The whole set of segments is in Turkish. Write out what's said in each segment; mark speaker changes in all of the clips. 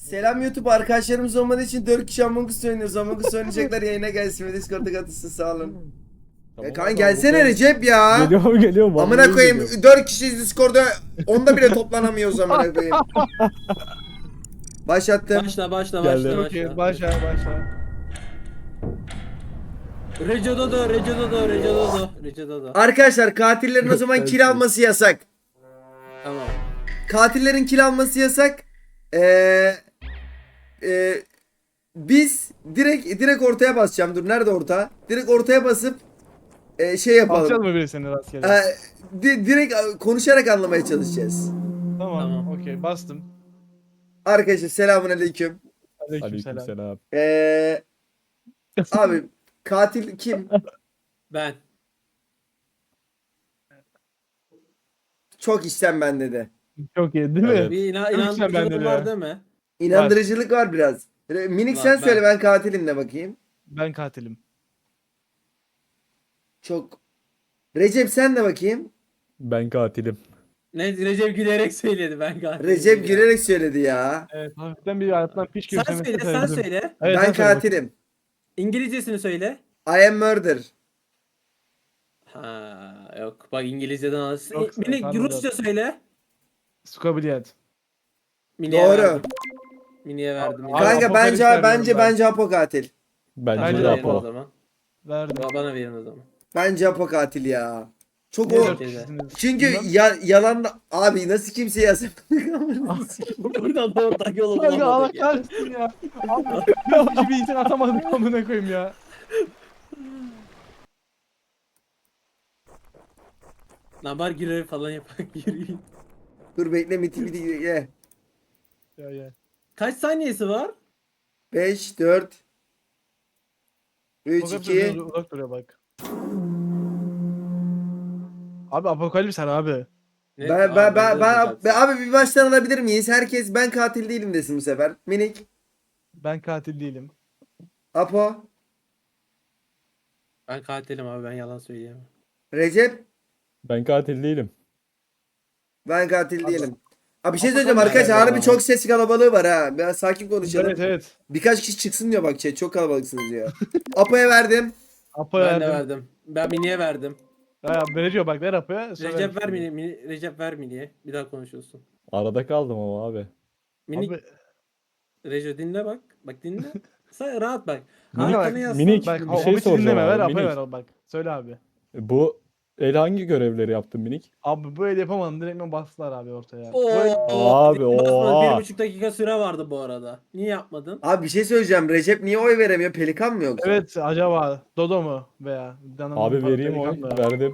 Speaker 1: Selam YouTube, arkadaşlarımız olmadığı için 4 kişi Among Us oynuyoruz. Among Us oynayacaklar, yayına gelsin ve Discord'a katılsın, sağ olun.
Speaker 2: Tamam
Speaker 1: Kaan
Speaker 2: abi,
Speaker 1: gelsene
Speaker 2: buradayım.
Speaker 1: Recep ya.
Speaker 2: Geliyorum.
Speaker 1: Amına
Speaker 2: vallahi
Speaker 1: koyayım,
Speaker 2: geliyorum.
Speaker 1: 4 kişiyiz Discord'da, onda bile toplanamıyoruz amına koyayım. Başlattım.
Speaker 3: Başla
Speaker 2: Geldi.
Speaker 4: Okey, başla.
Speaker 3: Recep Dodo.
Speaker 1: Arkadaşlar, katillerin o zaman kill alması yasak.
Speaker 3: Tamam.
Speaker 1: Katillerin kill alması yasak. Ee, Biz direkt ortaya basacağım. Dur, nerede orta? Direkt ortaya basıp şey
Speaker 4: Atacağız
Speaker 1: yapalım.
Speaker 4: mı birisini rastgele?
Speaker 1: Direkt konuşarak anlamaya çalışacağız.
Speaker 4: Tamam. Okey, bastım.
Speaker 1: Arkadaşlar, selamünaleyküm.
Speaker 4: Aleykümselam.
Speaker 2: Aleykümselam.
Speaker 1: Abi, katil kim?
Speaker 3: Ben.
Speaker 1: Çok içten bende de.
Speaker 4: Çok iyi değil mi?
Speaker 2: Evet.
Speaker 3: Bir
Speaker 4: Lütfen bende
Speaker 3: inandırıcılık
Speaker 4: de
Speaker 3: var
Speaker 4: ya.
Speaker 3: değil mi?
Speaker 1: İnandırıcılık var biraz. Minik
Speaker 3: Var,
Speaker 1: sen
Speaker 3: ben.
Speaker 1: söyle, ben katilim de bakayım.
Speaker 4: Ben katilim.
Speaker 1: Çok. Recep sen de bakayım.
Speaker 2: Ben katilim.
Speaker 3: Ne Recep gülerek söyledi ben galiba.
Speaker 1: Recep gülerek söyledi ya.
Speaker 4: Evet, hafiften bir hayatından piş
Speaker 3: Sen
Speaker 4: gibisine
Speaker 3: söyle, sen
Speaker 4: sevdim.
Speaker 3: söyle.
Speaker 4: Evet,
Speaker 1: Ben
Speaker 4: sen söyle
Speaker 1: katilim.
Speaker 3: İngilizcesini söyle.
Speaker 1: I am murder.
Speaker 3: Ha yok. Bak İngilizceden alırsın.
Speaker 4: Yok,
Speaker 3: Mini
Speaker 4: anladım.
Speaker 3: Rusça söyle.
Speaker 4: bakayım. Skabiliyet.
Speaker 3: Mini'ye
Speaker 1: Doğru.
Speaker 3: verdim. Mini'ye verdim.
Speaker 4: Abi,
Speaker 1: Kanka
Speaker 4: Apokalipsi
Speaker 1: bence Apo katil.
Speaker 2: Bence
Speaker 4: Bence
Speaker 2: de
Speaker 4: de
Speaker 3: Bana verin o
Speaker 2: Apo.
Speaker 3: zaman.
Speaker 4: Verdim.
Speaker 3: Bana verin o zaman.
Speaker 1: Bence Apo katil ya. Çok
Speaker 4: Niye
Speaker 1: o.
Speaker 4: dört
Speaker 3: Şeyde.
Speaker 4: kişisiniz?
Speaker 1: Çünkü
Speaker 4: Bilmem.
Speaker 1: yalan abi, nasıl kimse yazıp
Speaker 3: Buradan da ortak yolu
Speaker 4: Kanka Allah
Speaker 3: bulamadık ya.
Speaker 4: kahretsin ya. Abi, dört kişi bir insan atamadık amına koyayım ya.
Speaker 3: Nabar girer falan yapak yürüyün.
Speaker 1: Dur bekle, miti ye.
Speaker 4: Ya.
Speaker 3: Kaç saniyesi var?
Speaker 1: 5 4 3
Speaker 4: Uzak
Speaker 1: 2
Speaker 4: duruyor, uzak duruyor bak. Abi apokalips abi.
Speaker 3: Ne?
Speaker 1: abi bir baştan alabilir miyiz? Herkes ben katil değilim desin bu sefer. Minik,
Speaker 4: Ben katil değilim.
Speaker 1: Apo,
Speaker 3: Ben katilim abi, ben yalan söyleyemem.
Speaker 1: Recep,
Speaker 2: Ben katil değilim.
Speaker 1: ben katil değilim. Abi bir şey
Speaker 4: Apo
Speaker 1: söyleyeceğim
Speaker 4: sen
Speaker 1: arkadaşlar,
Speaker 3: nereden
Speaker 1: harbi çok ses kalabalığı var ha. Biraz sakin konuşalım.
Speaker 4: Evet.
Speaker 1: Birkaç kişi çıksın diyor, bak çok kalabalıksınız diyor. Apo'ya verdim.
Speaker 4: Apo'ya
Speaker 3: Ben de
Speaker 4: verdim.
Speaker 3: verdim. Ben Mini'ye verdim.
Speaker 4: Ya veriyor bak, ver Apo'ya.
Speaker 3: Recep ver Recep ver Mini'ye. Bir daha konuşuyorsun.
Speaker 2: Arada kaldım ama abi.
Speaker 3: Mini
Speaker 4: Abi,
Speaker 3: Recep dinle bak. Bak dinle. Sen rahat bak.
Speaker 4: Kanka bak,
Speaker 3: Arkana yaslan.
Speaker 2: minik.
Speaker 4: bak
Speaker 2: Bir
Speaker 4: o
Speaker 2: şey
Speaker 4: bizi
Speaker 2: soracağım
Speaker 4: dinleme, ver
Speaker 2: abi,
Speaker 4: Apo'ya
Speaker 2: minik.
Speaker 4: ver bak. Söyle abi.
Speaker 2: Bu el hangi görevleri yaptın minik?
Speaker 4: Abi bu el yapamadım, direkt bastılar abi ortaya.
Speaker 3: Oo,
Speaker 2: Abi, oha.
Speaker 3: 1,5 dakika süre vardı bu arada. Niye yapmadın?
Speaker 1: Abi bir şey söyleyeceğim. Recep niye oy veremiyor? Pelikan mı yoksa?
Speaker 4: Evet, acaba Dodo mu veya
Speaker 2: Abi vereyim oy. Verdim.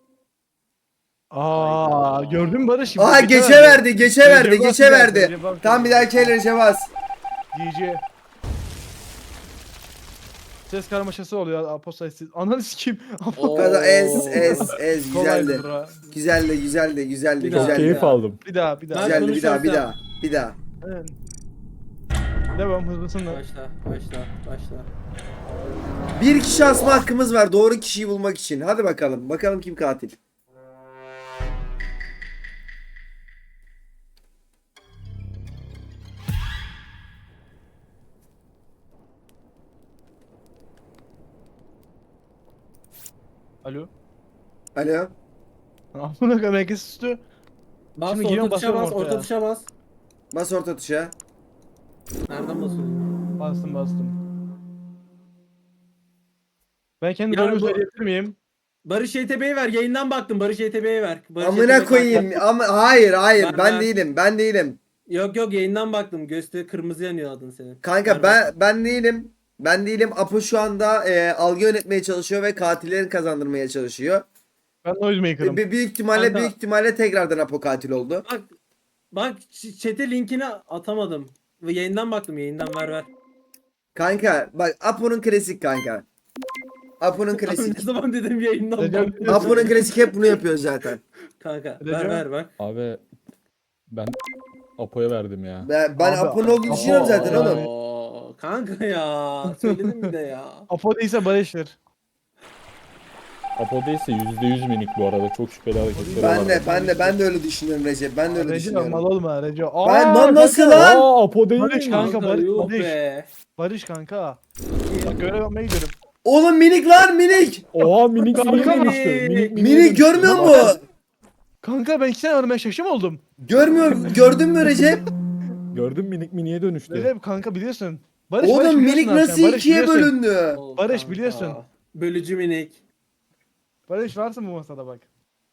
Speaker 4: Aa,
Speaker 3: Hayda.
Speaker 4: gördün mü Barış?
Speaker 1: Aa, geçe verdi. Geçe verdi. Tam bir dahaki el Recep bas.
Speaker 4: GG. Ses karmaşası oluyor Apo sayısı. Ananı sikeyim.
Speaker 3: Oo.
Speaker 1: Kaza ez
Speaker 4: Kolaydı
Speaker 1: güzeldi.
Speaker 4: bro.
Speaker 1: Güzeldi.
Speaker 3: Bir daha.
Speaker 2: Çok keyif aldım.
Speaker 4: Bir daha.
Speaker 3: Ben
Speaker 1: Güzeldi, bir daha.
Speaker 3: konuşursam.
Speaker 4: Evet. Devam, hızlısın da.
Speaker 3: Başla.
Speaker 1: Bir kişi asma hakkımız var doğru kişiyi bulmak için. Hadi bakalım. Bakalım kim katil.
Speaker 4: Alo.
Speaker 1: Alo.
Speaker 4: Amına koyayım, herkes üstü.
Speaker 3: Bas
Speaker 4: Şimdi
Speaker 3: orta
Speaker 4: giriyorum,
Speaker 3: tuşa
Speaker 4: basıyorum
Speaker 3: bas,
Speaker 4: ortaya.
Speaker 3: orta tuşa bas.
Speaker 1: Bas orta tuşa.
Speaker 3: Nereden basıyorsun?
Speaker 4: Bastım. Ben kendi
Speaker 3: Ya
Speaker 4: rolümü
Speaker 3: bu-
Speaker 4: söyleyebilir miyim?
Speaker 3: Barış YTB'yi ver. Yayından baktım. Barış YTB'yi ver. Barış
Speaker 1: Amına
Speaker 3: YTB
Speaker 1: koyayım. Ama hayır
Speaker 3: Ver,
Speaker 1: ben
Speaker 3: ver.
Speaker 1: değilim.
Speaker 3: Yok yayından baktım. Göster kırmızı yanıyor adın senin.
Speaker 1: Kanka
Speaker 3: Ver
Speaker 1: ben değilim. Ben değilim. Apo şu anda algı yönetmeye çalışıyor ve katillerin kazandırmaya çalışıyor.
Speaker 4: Ben Noisemaker'ım.
Speaker 1: Büyük
Speaker 3: Kanka.
Speaker 1: ihtimalle tekrardan Apo katil oldu.
Speaker 3: Bak chat'e linkini atamadım. Ve yayından baktım. Yayından ver.
Speaker 1: Kanka bak, Apo'nun klasik kanka. Apo'nun
Speaker 3: Abi
Speaker 1: klasik.
Speaker 3: ne zaman dedim yayından
Speaker 4: Recep-
Speaker 3: baktım.
Speaker 1: Apo'nun klasik hep bunu yapıyor zaten.
Speaker 3: Kanka
Speaker 4: Recep-
Speaker 3: ver bak.
Speaker 2: Abi ben Apo'ya verdim ya.
Speaker 1: Ben
Speaker 4: Abi,
Speaker 1: Apo'nun olduğunu
Speaker 4: Apo-
Speaker 1: düşünüyorum zaten
Speaker 4: Yani-
Speaker 1: oğlum.
Speaker 3: Oo, kanka ya. Söyledim bir de ya.
Speaker 4: Apo değilse Barış'tır.
Speaker 2: Apo değilse %100 minik bu arada. Çok şüpheli hareketleri var.
Speaker 1: Ben de öyle düşünüyorum Recep. Ben de öyle
Speaker 4: Recep
Speaker 1: düşünüyorum.
Speaker 4: mal olma Recep.
Speaker 1: Ben lan nasıl
Speaker 4: kanka.
Speaker 1: lan?
Speaker 2: Aa Apo değil
Speaker 4: Barış
Speaker 2: mi?
Speaker 4: kanka, Barış,
Speaker 3: yuh
Speaker 4: Barış.
Speaker 3: be.
Speaker 4: Barış kanka. Bak görev yapmaya gidiyorum.
Speaker 1: Oğlum minik lan minik.
Speaker 2: Oha minik
Speaker 4: Kanka
Speaker 2: miniye
Speaker 3: minik.
Speaker 2: dönüştü.
Speaker 1: Minik görmüyor musun?
Speaker 4: Kanka ben 2 sene önüme şaşım oldum.
Speaker 1: Gördün mü Recep?
Speaker 2: Gördün minik miniye dönüştü.
Speaker 4: Recep kanka biliyorsun. Barış
Speaker 1: Oğlum
Speaker 4: biliyorsun
Speaker 1: minik
Speaker 4: abi sen,
Speaker 1: nasıl
Speaker 4: Barış
Speaker 1: ikiye
Speaker 4: biliyorsun.
Speaker 1: bölündü?
Speaker 4: Barış,
Speaker 3: Kanka.
Speaker 4: biliyorsun.
Speaker 3: Bölücü minik.
Speaker 4: Barış varsın bu masada bak.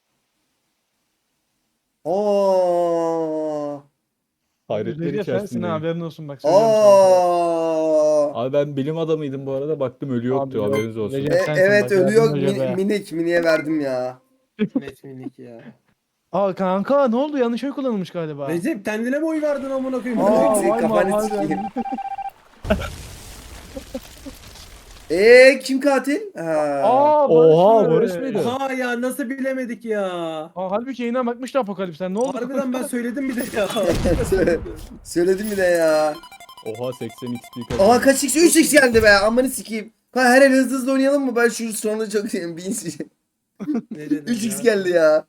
Speaker 1: Aa.
Speaker 2: Hayretler
Speaker 4: Recep sensin ha,
Speaker 2: içerisindeyim.
Speaker 4: haberin olsun bak. söylüyorum sana.
Speaker 1: Aa.
Speaker 2: Abi ben bilim adamıydım bu arada. Baktım ölü
Speaker 4: Abi
Speaker 2: yoktu.
Speaker 4: yok,
Speaker 2: Haberiniz olsun.
Speaker 4: Recep. Sensin
Speaker 1: Evet
Speaker 4: bak,
Speaker 1: ölü yok
Speaker 4: yardım Recep'e.
Speaker 1: miniye verdim ya.
Speaker 3: Net minik ya.
Speaker 4: Aa kanka ne oldu, yanlış oy kullanılmış galiba.
Speaker 3: Recep kendine mi oy verdin amına koyayım?
Speaker 4: Aa
Speaker 1: Senin
Speaker 4: vay
Speaker 1: kafanı
Speaker 4: vay
Speaker 1: sikeyim.
Speaker 4: vay.
Speaker 1: Kim katil? Ha.
Speaker 4: Aa
Speaker 2: Oha,
Speaker 4: Barış
Speaker 2: Barış
Speaker 4: mı?
Speaker 2: mıydı?
Speaker 3: Oha ya nasıl bilemedik ya.
Speaker 4: Aa halbuki yayına bakmıştı Apokalips'ten, ne oldu?
Speaker 3: Harbiden ben söyledim bir de ya.
Speaker 1: Söyledim bir de ya.
Speaker 2: Oha 80 XP
Speaker 1: Aha kaç x 3x geldi be. Amanı sikeyim. Her el hızlı hızlı oynayalım mı? Ben şu sonunda çok seveyim. 3x geldi ya.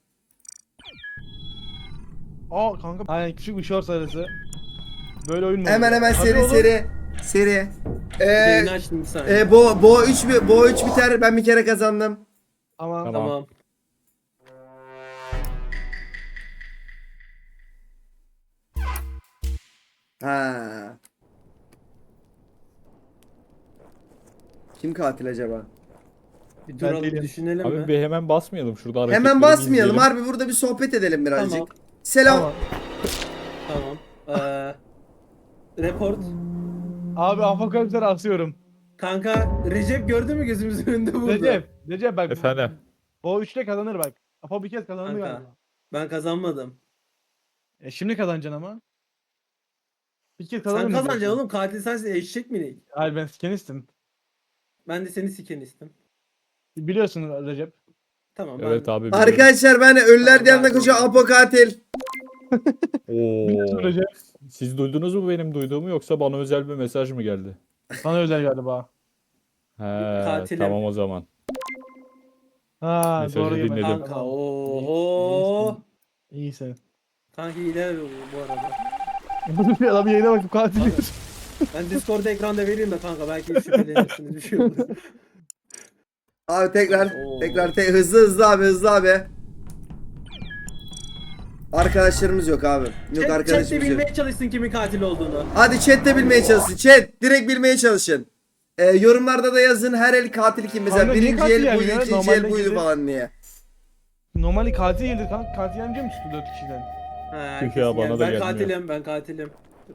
Speaker 4: Aa kanka aynen, küçük bir short arası. Böyle oyun mu?
Speaker 1: Hemen
Speaker 4: oluyor?
Speaker 1: hemen
Speaker 4: Hadi
Speaker 1: seri
Speaker 4: oğlum.
Speaker 1: seri.
Speaker 3: Yayını açtım bir saniye.
Speaker 1: Bo 3 biter. Ben bir kere kazandım.
Speaker 4: Tamam.
Speaker 2: Tamam.
Speaker 3: Tamam.
Speaker 1: Ha. Kim katil acaba?
Speaker 3: Bir
Speaker 4: Ben
Speaker 3: duralım
Speaker 4: değilim.
Speaker 3: düşünelim
Speaker 2: Abi
Speaker 3: mi?
Speaker 2: bir hemen basmayalım şurada hareketleri
Speaker 1: Hemen basmayalım.
Speaker 2: izleyelim.
Speaker 1: Harbi burada bir sohbet edelim birazcık.
Speaker 3: Tamam.
Speaker 1: Selam.
Speaker 4: Tamam.
Speaker 3: Tamam. Report.
Speaker 4: Abi Apokalips'e asıyorum.
Speaker 3: Kanka Recep gördü mü gözümüzün önünde burada?
Speaker 4: Recep bak.
Speaker 2: Efendim.
Speaker 4: O 3'te kazanır bak. Apo bir kez kazandı
Speaker 3: Kanka.
Speaker 4: galiba.
Speaker 3: Ben kazanmadım.
Speaker 4: Şimdi kazanacaksın ama. Bir kez
Speaker 3: Sen
Speaker 4: kazanır
Speaker 3: kazanacaksın oğlum. Katil sensin, eşek minik.
Speaker 4: Hayır ben sikenistim.
Speaker 3: Ben de seni sikenistim.
Speaker 4: Biliyorsun Recep.
Speaker 3: Tamam
Speaker 2: Evet
Speaker 3: ben...
Speaker 2: abi. biliyorum.
Speaker 1: Arkadaşlar ben ölüler
Speaker 3: Tamam,
Speaker 1: diyarına
Speaker 3: ben
Speaker 1: koşuyor
Speaker 3: doğru.
Speaker 1: Apo katil.
Speaker 4: Biliyorsun
Speaker 2: Oo.
Speaker 4: Recep.
Speaker 2: Siz duydunuz mu benim duyduğumu yoksa bana özel bir mesaj mı geldi?
Speaker 4: Sana özel galiba.
Speaker 2: He,
Speaker 3: Katilim.
Speaker 2: tamam o zaman.
Speaker 4: Ha
Speaker 2: Mesajı
Speaker 4: doğru gibi.
Speaker 2: dinledim.
Speaker 3: Kanka
Speaker 4: Tamam.
Speaker 3: oho.
Speaker 4: İyisin.
Speaker 3: Kanka hile bu arada.
Speaker 4: Bir adam yayına bakıp katil
Speaker 3: Abi,
Speaker 4: diyor.
Speaker 3: ben Discord'da ekranda vereyim de kanka belki şüphelenirsiniz bir şey olur.
Speaker 1: Abi tekrar
Speaker 3: Oo.
Speaker 1: hızlı abi. Arkadaşlarımız yok abi. Yok
Speaker 3: Chat de
Speaker 1: arkadaşımız yok.
Speaker 3: bilmeye çalışsın kimin katil olduğunu.
Speaker 1: Hadi chat'te bilmeye çalışın. Chat direkt bilmeye çalışın. Yorumlarda da yazın her el katil kim mesela
Speaker 4: Kanka, niye
Speaker 1: birinci
Speaker 4: katil
Speaker 1: el buydu
Speaker 4: yani ya?
Speaker 1: ikinci
Speaker 4: Normalde
Speaker 1: el buydu
Speaker 4: gidip-
Speaker 1: falan diye.
Speaker 4: Normalde katil gelir kanka. Katil yemeyecek mi çıktı 4 kişiden?
Speaker 3: Ha,
Speaker 2: Tüh ya, bana da
Speaker 3: ben
Speaker 2: gelmiyor.
Speaker 3: katilim.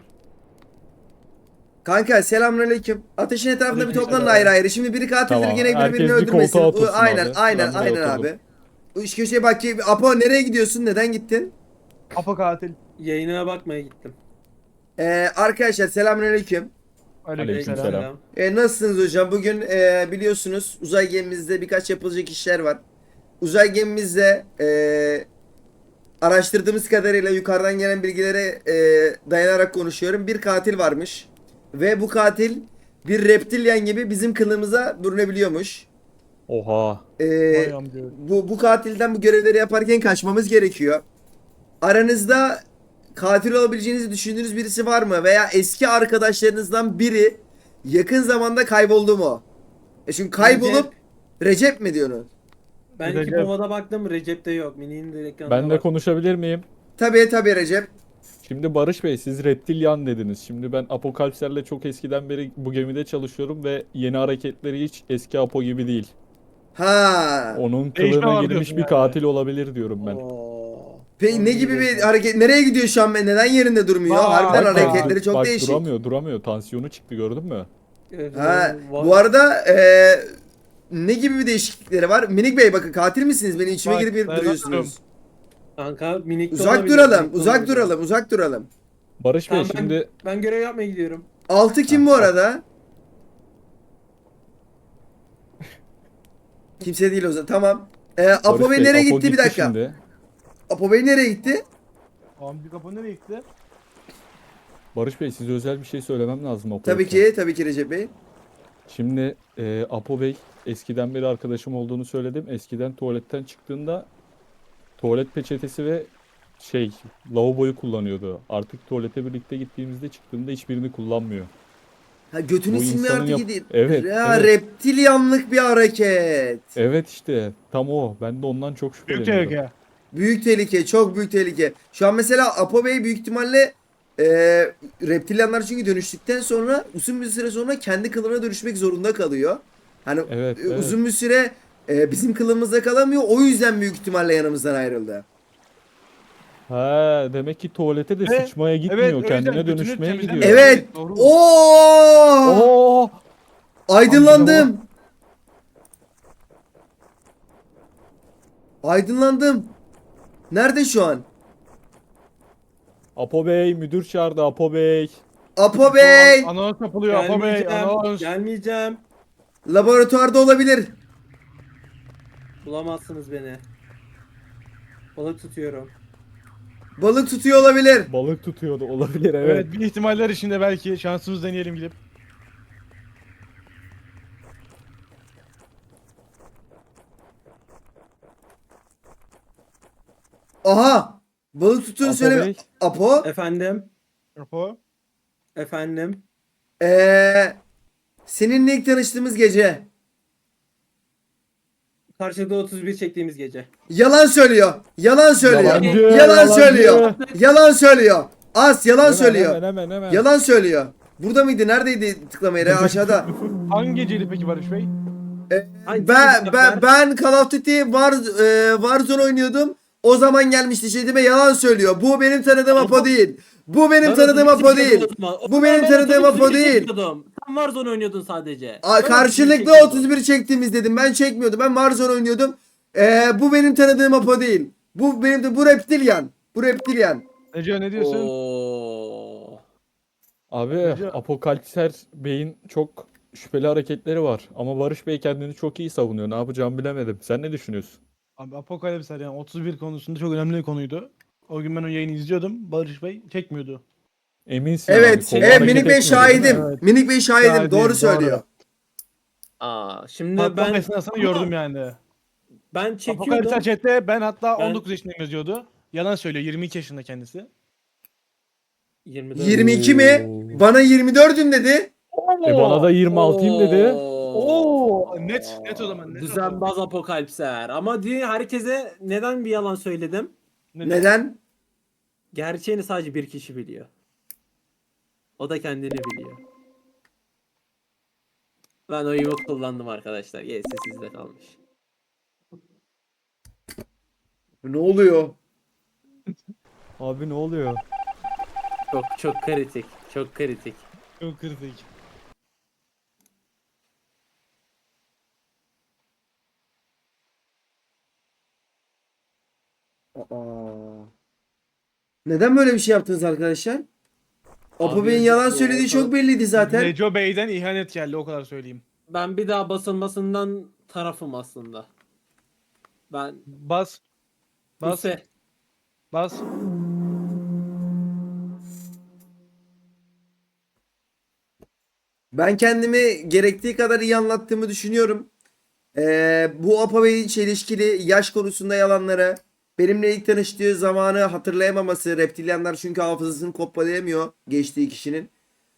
Speaker 1: Kanka selamünaleyküm. Ateşin etrafında bir
Speaker 3: Aleykümselam.
Speaker 1: toplanın ayrı ayrı. Şimdi biri katildir
Speaker 2: Tamam,
Speaker 1: yine biri
Speaker 2: herkes
Speaker 1: birini
Speaker 2: bir
Speaker 1: öldürmesin.
Speaker 2: koltuğa otursun
Speaker 1: Aynen
Speaker 2: abi.
Speaker 1: aynen
Speaker 2: Ben buraya
Speaker 1: aynen
Speaker 2: oturdum.
Speaker 1: abi. Bu iş köşeye bak ki Apo nereye gidiyorsun? Neden gittin?
Speaker 4: Apo katil.
Speaker 3: Yayınına bakmaya gittim.
Speaker 1: Arkadaşlar selamünaleyküm.
Speaker 2: Aleykümselam.
Speaker 1: Nasılsınız hocam? Bugün biliyorsunuz uzay gemimizde birkaç yapılacak işler var. Uzay gemimizde araştırdığımız kadarıyla yukarıdan gelen bilgilere dayanarak konuşuyorum. Bir katil varmış. Ve bu katil bir reptilyen gibi bizim kılığımıza bürünebiliyormuş.
Speaker 2: Oha.
Speaker 1: E, bu katilden bu görevleri yaparken kaçmamız gerekiyor. Aranızda katil olabileceğinizi düşündüğünüz birisi var mı? Veya eski arkadaşlarınızdan biri yakın zamanda kayboldu mu? Çünkü kaybolup Recep mi diyorsunuz?
Speaker 3: Ben
Speaker 4: Recep.
Speaker 3: iki pomada baktım, Recep'te yok. Mini'nin de ekranda
Speaker 2: Ben de
Speaker 3: var.
Speaker 2: konuşabilir miyim?
Speaker 1: Tabii Recep.
Speaker 2: Şimdi Barış Bey siz reptilyan dediniz. Şimdi ben Apokalipslerle çok eskiden beri bu gemide çalışıyorum ve yeni hareketleri hiç eski Apo gibi değil.
Speaker 1: Ha.
Speaker 2: Onun
Speaker 4: Değişme
Speaker 2: kılığına
Speaker 4: var
Speaker 2: girmiş
Speaker 4: diyorsun
Speaker 2: bir
Speaker 4: yani.
Speaker 2: katil olabilir diyorum ben.
Speaker 3: Oo.
Speaker 1: Peki ne gibi bir hareket? Nereye gidiyor şu an? Neden yerinde durmuyor?
Speaker 4: Vay,
Speaker 1: Harbiden
Speaker 4: vay.
Speaker 1: hareketleri çok
Speaker 2: Bak,
Speaker 1: değişik.
Speaker 2: duramıyor. Tansiyonu çıktı gördün mü?
Speaker 1: Ha,
Speaker 3: Var.
Speaker 1: bu arada ne gibi bir değişiklikleri var? Minik Bey bakın katil misiniz? Beni içime
Speaker 4: Bak,
Speaker 1: girip
Speaker 4: dayanamıyorum.
Speaker 1: duruyorsunuz.
Speaker 3: Kanka minik de
Speaker 1: Uzak
Speaker 3: olabilir,
Speaker 1: duralım,
Speaker 3: minik de
Speaker 1: uzak
Speaker 3: olabilir.
Speaker 1: duralım, uzak duralım.
Speaker 2: Barış Bey
Speaker 3: Tamam,
Speaker 2: şimdi
Speaker 3: ben görev yapmaya gidiyorum.
Speaker 1: 6 kim bu arada? Kimse değil o zaman. Tamam. Apo
Speaker 2: Barış
Speaker 1: Bey
Speaker 2: Bey,
Speaker 1: nereye
Speaker 2: Apo
Speaker 1: gitti? Bir dakika.
Speaker 2: Şimdi.
Speaker 1: Apo Bey nereye gitti?
Speaker 4: Abi kapı nereye gitti?
Speaker 2: Barış Bey size özel bir şey söylemem lazım Apo'ya.
Speaker 1: Tabii ki Recep Bey.
Speaker 2: Şimdi Apo Bey eskiden beri arkadaşım olduğunu söyledim. Eskiden tuvaletten çıktığında tuvalet peçetesi ve lavaboyu kullanıyordu. Artık tuvalete birlikte gittiğimizde çıktığında hiçbirini kullanmıyor.
Speaker 1: Ha, götünü
Speaker 2: Bu
Speaker 1: silme
Speaker 2: insanın
Speaker 1: artık
Speaker 2: yap-
Speaker 1: gidin.
Speaker 2: Evet,
Speaker 1: Ya
Speaker 2: evet.
Speaker 1: reptilyanlık bir hareket.
Speaker 2: Evet işte tam o. Ben de ondan çok
Speaker 4: Büyük
Speaker 2: şüpheleniyorum.
Speaker 4: tehlike.
Speaker 1: Büyük tehlike, çok büyük tehlike. Şu an mesela Apo Bey büyük ihtimalle e, reptilyanlar çünkü dönüştükten sonra uzun bir süre sonra kendi kılığına dönüşmek zorunda kalıyor. Hani
Speaker 2: Evet, evet.
Speaker 1: uzun bir süre bizim kılığımızda kalamıyor. O yüzden büyük ihtimalle yanımızdan ayrıldı.
Speaker 2: Ha, demek ki tuvalete de
Speaker 4: Evet,
Speaker 2: sıçmaya gitmiyor.
Speaker 4: evet, o yüzden
Speaker 2: Kendine
Speaker 4: götünü
Speaker 2: dönüşmeye
Speaker 4: temizlemiyor.
Speaker 2: gidiyor.
Speaker 1: Evet.
Speaker 4: Evet, doğru.
Speaker 1: Oo!
Speaker 2: Oo!
Speaker 1: Aydınlandım. Aydınlandım. Nerede şu an?
Speaker 2: Apo Bey, müdür çağırdı Apo Bey.
Speaker 1: Apo Bey.
Speaker 4: Anons yapılıyor Apo Bey.
Speaker 3: Gelmeyeceğim.
Speaker 4: Anons.
Speaker 3: Gelmeyeceğim.
Speaker 1: Laboratuvarda olabilir.
Speaker 3: Bulamazsınız beni. Balık tutuyorum.
Speaker 1: Balık tutuyor olabilir.
Speaker 2: Balık tutuyordu olabilir evet.
Speaker 4: Evet, bir ihtimaller içinde belki şansımız deneyelim gidip.
Speaker 1: Aha. Balık tuttuğunu
Speaker 2: Apo
Speaker 1: söyle.
Speaker 2: Bey.
Speaker 1: Apo.
Speaker 3: Efendim.
Speaker 4: Apo.
Speaker 3: Efendim.
Speaker 1: Seninle ilk tanıştığımız gece.
Speaker 3: Karşılıklı 31 çektiğimiz gece.
Speaker 1: Yalan söylüyor. Yalan söylüyor.
Speaker 2: Yalancı,
Speaker 1: Yalan
Speaker 2: yalancı.
Speaker 1: söylüyor. Yalan söylüyor. As yalan
Speaker 2: Hemen,
Speaker 1: söylüyor.
Speaker 2: hemen.
Speaker 1: Yalan söylüyor. Burada mıydı? Neredeydi tıklama yeri? Aşağıda.
Speaker 4: Hangi geceydi peki Barış Bey?
Speaker 3: Hangi
Speaker 1: Ben Call of Duty Warzone oynuyordum. O zaman gelmişti şeyime yalan söylüyor. Bu benim tanıdığım Apo değil. Bu benim tanıdığım Apo değil. Bu benim tanıdığım Apo değil.
Speaker 3: Sen Warzone oynuyordun sadece.
Speaker 1: Karşılıklı 31 çektiğimiz dedim. Ben çekmiyordum. Ben Warzone oynuyordum. Bu benim tanıdığım Apo değil. Bu reptilyan. Bu reptilyan.
Speaker 4: Neco ne diyorsun?
Speaker 3: Oo.
Speaker 2: Abi
Speaker 4: Hocam.
Speaker 2: Apokalipser Bey'in çok şüpheli hareketleri var. Ama Barış Bey kendini çok iyi savunuyor. Ne yapacağımı bilemedim. Sen ne düşünüyorsun?
Speaker 4: Abi Apokalipsler yani 31 konusunda çok önemli bir konuydu. O gün ben o yayını izliyordum. Barış Bey çekmiyordu.
Speaker 2: Eminsin
Speaker 1: Evet.
Speaker 2: yani. Kolu hareket
Speaker 1: Minik Bey
Speaker 2: etmiyor, değil mi?
Speaker 1: şahidim.
Speaker 4: Evet.
Speaker 1: Minik Bey şahidim.
Speaker 4: Şahidim,
Speaker 1: Doğru
Speaker 4: doğru.
Speaker 1: söylüyor.
Speaker 3: Şimdi
Speaker 4: Patlama
Speaker 3: ben
Speaker 4: esnasını gördüm yani.
Speaker 3: ben çekiyordum.
Speaker 4: Apokalipsler chatte ben hatta
Speaker 3: Ben-
Speaker 4: 19 yaşındayım yazıyordu. Yalan söylüyor 22 yaşında kendisi.
Speaker 3: 24.
Speaker 1: 22 mi?
Speaker 2: Oo.
Speaker 1: Bana 24'üm dedi.
Speaker 2: Bana da 26'yım dedi.
Speaker 4: Oo, net o zaman. Net
Speaker 3: Düzenbaz apokalipser. Ama herkese neden bir yalan söyledim?
Speaker 1: Neden?
Speaker 3: Gerçeğini sadece bir kişi biliyor. O da kendini biliyor. Ben oyumu kullandım arkadaşlar. Gerisi sizde kalmış.
Speaker 1: Ne oluyor?
Speaker 2: Abi ne oluyor?
Speaker 3: Çok kritik. Çok kritik.
Speaker 4: Çok kritik.
Speaker 1: Aa. Neden böyle bir şey yaptınız arkadaşlar? Apo
Speaker 3: Abi,
Speaker 1: Bey'in yalan
Speaker 3: bu
Speaker 1: söylediği
Speaker 3: orta-
Speaker 1: çok belliydi zaten.
Speaker 4: Neco Bey'den ihanet geldi o kadar söyleyeyim.
Speaker 3: Ben bir daha basılmasından tarafım aslında. Ben
Speaker 4: Bas. Bas.
Speaker 3: Buse.
Speaker 4: Bas.
Speaker 1: Ben kendimi gerektiği kadar iyi anlattığımı düşünüyorum. Bu Apo Bey'in çelişkili yaş konusunda yalanları, benimle ilk tanıştığı zamanı hatırlayamaması, reptilyanlar çünkü hafızasını kopyalayamıyor geçtiği kişinin.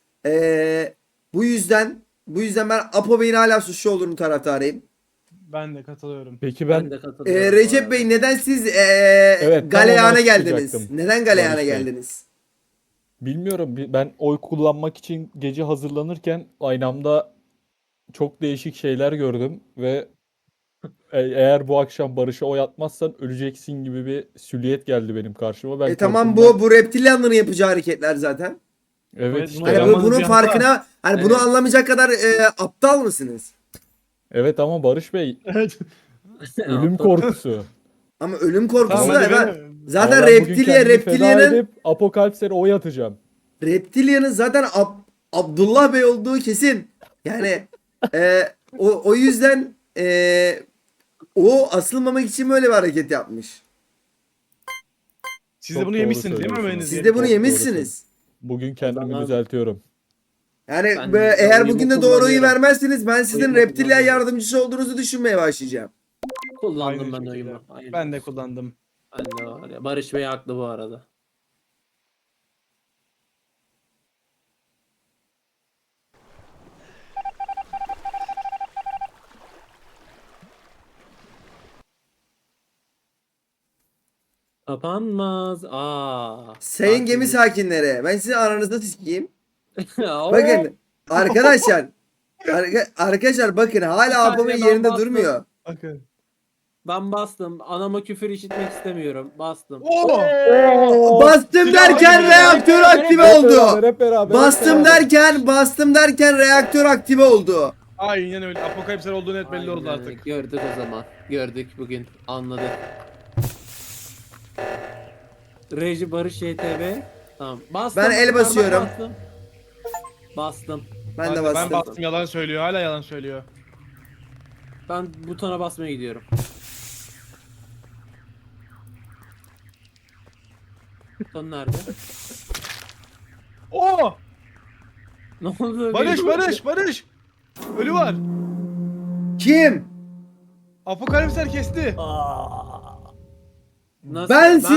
Speaker 1: Bu yüzden ben Apo Bey'in hala suçlu olduğunu taraftarıyım.
Speaker 4: Ben de katılıyorum.
Speaker 2: Peki
Speaker 3: Ben
Speaker 2: ben
Speaker 3: de katılıyorum. bu
Speaker 1: Recep
Speaker 3: arada.
Speaker 1: Bey neden siz
Speaker 2: tam
Speaker 1: galeyana
Speaker 2: ona
Speaker 1: geldiniz?
Speaker 2: çıkacaktım.
Speaker 1: Neden galeyana
Speaker 2: Barış Bey.
Speaker 1: geldiniz?
Speaker 2: bilmiyorum. Ben oy kullanmak için gece hazırlanırken aynamda çok değişik şeyler gördüm ve eğer bu akşam Barış'a oy atmazsan öleceksin gibi bir silüet geldi benim karşıma. Ben
Speaker 1: Tamam
Speaker 2: korkumdan-
Speaker 1: bu reptilyanların yapacağı hareketler zaten.
Speaker 2: Evet
Speaker 4: Evet,
Speaker 2: işte.
Speaker 4: bunu
Speaker 1: Hani
Speaker 4: Yaramaz
Speaker 1: bunun
Speaker 4: bir hata.
Speaker 1: farkına hani bunu
Speaker 3: Evet.
Speaker 1: anlamayacak kadar aptal mısınız?
Speaker 2: Evet ama Barış Bey
Speaker 4: Evet.
Speaker 2: ölüm korkusu.
Speaker 1: Ama ölüm korkusu
Speaker 4: Tamam
Speaker 1: da
Speaker 4: hadi
Speaker 1: ben
Speaker 4: benim.
Speaker 1: zaten
Speaker 2: Ama ben bugün kendimi feda
Speaker 1: reptilyanın
Speaker 2: edip Apokalips'e oy atacağım.
Speaker 1: reptilyanın zaten Abdullah Bey olduğu kesin. Yani o yüzden o asılmamak için böyle bir hareket yapmış.
Speaker 4: Siz de
Speaker 2: Çok
Speaker 4: bunu
Speaker 2: doğru
Speaker 4: yemişsiniz değil mi
Speaker 2: söylüyorsunuz.
Speaker 4: Ömer'iniz?
Speaker 1: Siz de bunu
Speaker 2: Çok
Speaker 1: yemişsiniz.
Speaker 2: Bugün kendimi
Speaker 3: zaman-
Speaker 2: düzeltiyorum.
Speaker 1: Yani
Speaker 3: Ben
Speaker 1: eğer
Speaker 3: oyumu
Speaker 1: bugün de doğru oyu
Speaker 3: kullanıyorum.
Speaker 1: vermezseniz ben sizin
Speaker 3: Oyumu
Speaker 1: reptilya
Speaker 3: kullanıyorum.
Speaker 1: yardımcısı olduğunuzu düşünmeye başlayacağım.
Speaker 3: Kullandım
Speaker 4: Aynı
Speaker 3: ben
Speaker 4: şekilde.
Speaker 3: oyumu. Aynen.
Speaker 4: Ben de kullandım.
Speaker 3: Ben de var ya. Barış Bey haklı bu arada. Kapanmaz.
Speaker 1: Sayın gemi
Speaker 3: Tatilimiz-
Speaker 1: sakinleri, ben sizin aranızda sikeyim.
Speaker 3: Oo.
Speaker 1: Bakın arkadaşlar, arkadaşlar bakın hala
Speaker 3: Bir
Speaker 1: Apo'nun
Speaker 3: saniye, ben
Speaker 1: yerinde
Speaker 3: bastım.
Speaker 1: durmuyor.
Speaker 4: Bakın.
Speaker 3: Ben bastım. Anama küfür işitmek istemiyorum. Bastım.
Speaker 1: Bastım
Speaker 4: Silah
Speaker 1: derken
Speaker 4: gibi.
Speaker 1: reaktör aktive
Speaker 2: Hep
Speaker 1: oldu.
Speaker 2: beraber, hep beraber, hep
Speaker 1: Bastım
Speaker 2: beraber.
Speaker 1: derken reaktör aktive oldu.
Speaker 4: Aynen öyle. Apokalipsler olduğu net belli oldu
Speaker 3: Aynen,
Speaker 4: artık.
Speaker 3: gördük o zaman. Gördük bugün. Anladık. Reji Barış YTB. Tamam. Bastım.
Speaker 1: Ben el
Speaker 3: parmak
Speaker 1: basıyorum.
Speaker 3: Bastım. Bastım.
Speaker 1: Ben de
Speaker 4: Ben
Speaker 1: bastım.
Speaker 4: bastım, yalan söylüyor. Hala yalan söylüyor.
Speaker 3: Ben butona basmaya gidiyorum. Buton nerede?
Speaker 4: Oo!
Speaker 3: Ne oldu?
Speaker 4: Barış! Ölü var.
Speaker 1: Kim?
Speaker 4: Apokalipsler kesti.
Speaker 3: Nasıl?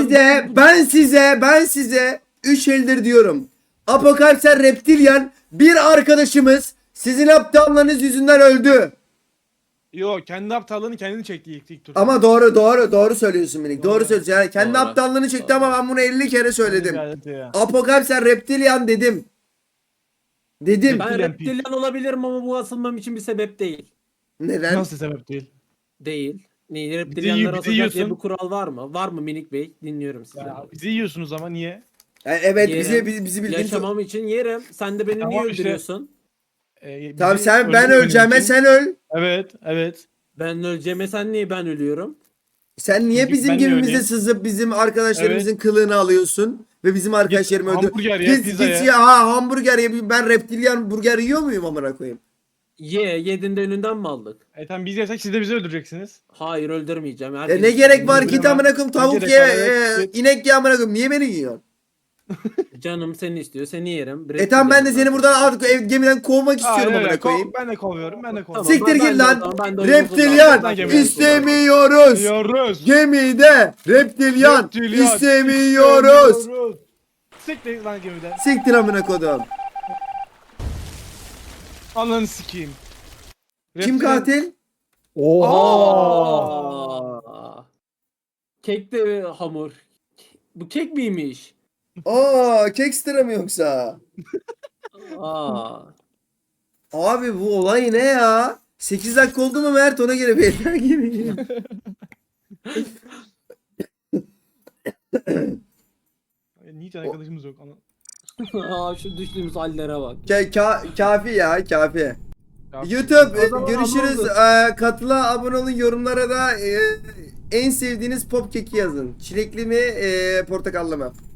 Speaker 1: Ben size 3 eldir diyorum. Apokalipsler reptilyan bir arkadaşımız sizin aptallığınız yüzünden öldü.
Speaker 4: Yo, kendi aptallığını kendini çekti ilk tur.
Speaker 1: Ama doğru söylüyorsun Minik. Doğru
Speaker 4: Doğru.
Speaker 1: söylüyorsun. Yani kendi
Speaker 3: Doğru.
Speaker 1: aptallığını çekti
Speaker 3: Doğru.
Speaker 1: ama ben bunu 50 kere söyledim.
Speaker 4: Ya.
Speaker 1: Apokalipsler reptilyan dedim. Dedim.
Speaker 3: Ben
Speaker 4: Reptilyan
Speaker 3: reptilyan olabilirim ama bu asılmam için bir sebep değil.
Speaker 1: Neden?
Speaker 4: Nasıl sebep değil?
Speaker 3: Değil. Ne,
Speaker 4: bizi
Speaker 3: reptilyanlar asılacak diye
Speaker 4: yiyorsun.
Speaker 3: bir kural var mı? Var mı Minik Bey? Dinliyorum sizi.
Speaker 4: Ya, bizi yiyorsunuz ama niye?
Speaker 1: Yani evet
Speaker 3: Yerim.
Speaker 1: bizi bildiğin çok...
Speaker 3: Yaşamam için yerim. Sen de beni
Speaker 4: Tamam
Speaker 3: niye
Speaker 4: işte.
Speaker 3: öldürüyorsun?
Speaker 1: Tamam
Speaker 4: Bizi
Speaker 1: sen ben
Speaker 4: öldürmenin
Speaker 1: öleceğime
Speaker 4: için-
Speaker 1: sen öl.
Speaker 4: Evet.
Speaker 3: Ben öleceğime sen niye ben ölüyorum?
Speaker 1: Sen niye
Speaker 4: Çünkü
Speaker 1: bizim
Speaker 4: ben de
Speaker 1: gemimize
Speaker 4: öyleyim.
Speaker 1: sızıp bizim arkadaşlarımızın kılığını alıyorsun ve bizim arkadaşlarımı öldür.
Speaker 4: Hamburger ye, pizza ye.
Speaker 1: Hamburger ye. Ben reptilyan burger yiyor muyum amına koyayım?
Speaker 3: Yedin de önünden mi aldık?
Speaker 4: Tamam, biz yesek siz de bizi öldüreceksiniz.
Speaker 3: Hayır öldürmeyeceğim.
Speaker 1: Ne gerek var
Speaker 4: Öldürme.
Speaker 1: ki amına koyayım tavuk
Speaker 4: gerek
Speaker 1: ye,
Speaker 4: var, evet.
Speaker 1: inek ye amına koyayım. Niye beni yiyorsun?
Speaker 3: Canım seni istiyor. Seni yerim.
Speaker 1: Tamam ben de seni buradan artık gemiden kovmak istiyorum amına koyayım.
Speaker 4: Ben de kovuyorum.
Speaker 3: Tamam,
Speaker 1: Siktir
Speaker 3: ben
Speaker 1: git
Speaker 3: de o
Speaker 1: lan.
Speaker 3: zaman, ben de oyumu
Speaker 1: Reptilyan
Speaker 3: kullandım.
Speaker 1: istemiyoruz.
Speaker 4: Yiyoruz.
Speaker 1: Gemide reptilyan istemiyoruz.
Speaker 4: Siktir lan gemiden.
Speaker 1: Siktir amına kodum.
Speaker 4: Ananı sikeyim.
Speaker 1: Kim katil?
Speaker 2: Oha.
Speaker 3: Kek de hamur. Bu kek miymiş?
Speaker 1: Kekstra mı yoksa?
Speaker 3: Aa.
Speaker 1: Abi bu olay ne ya? 8 dakika oldu mu Mert ona göre belirler gibi.
Speaker 4: Hiç arkadaşımız yok.
Speaker 3: Şu düştüğümüz hallere bak.
Speaker 1: Kafi ya kafi.
Speaker 4: Kafi.
Speaker 1: YouTube
Speaker 3: O zaman
Speaker 1: görüşürüz.
Speaker 3: Among
Speaker 1: Katıla abone olun, yorumlara da en sevdiğiniz pop keki yazın. Çilekli mi portakallı mı?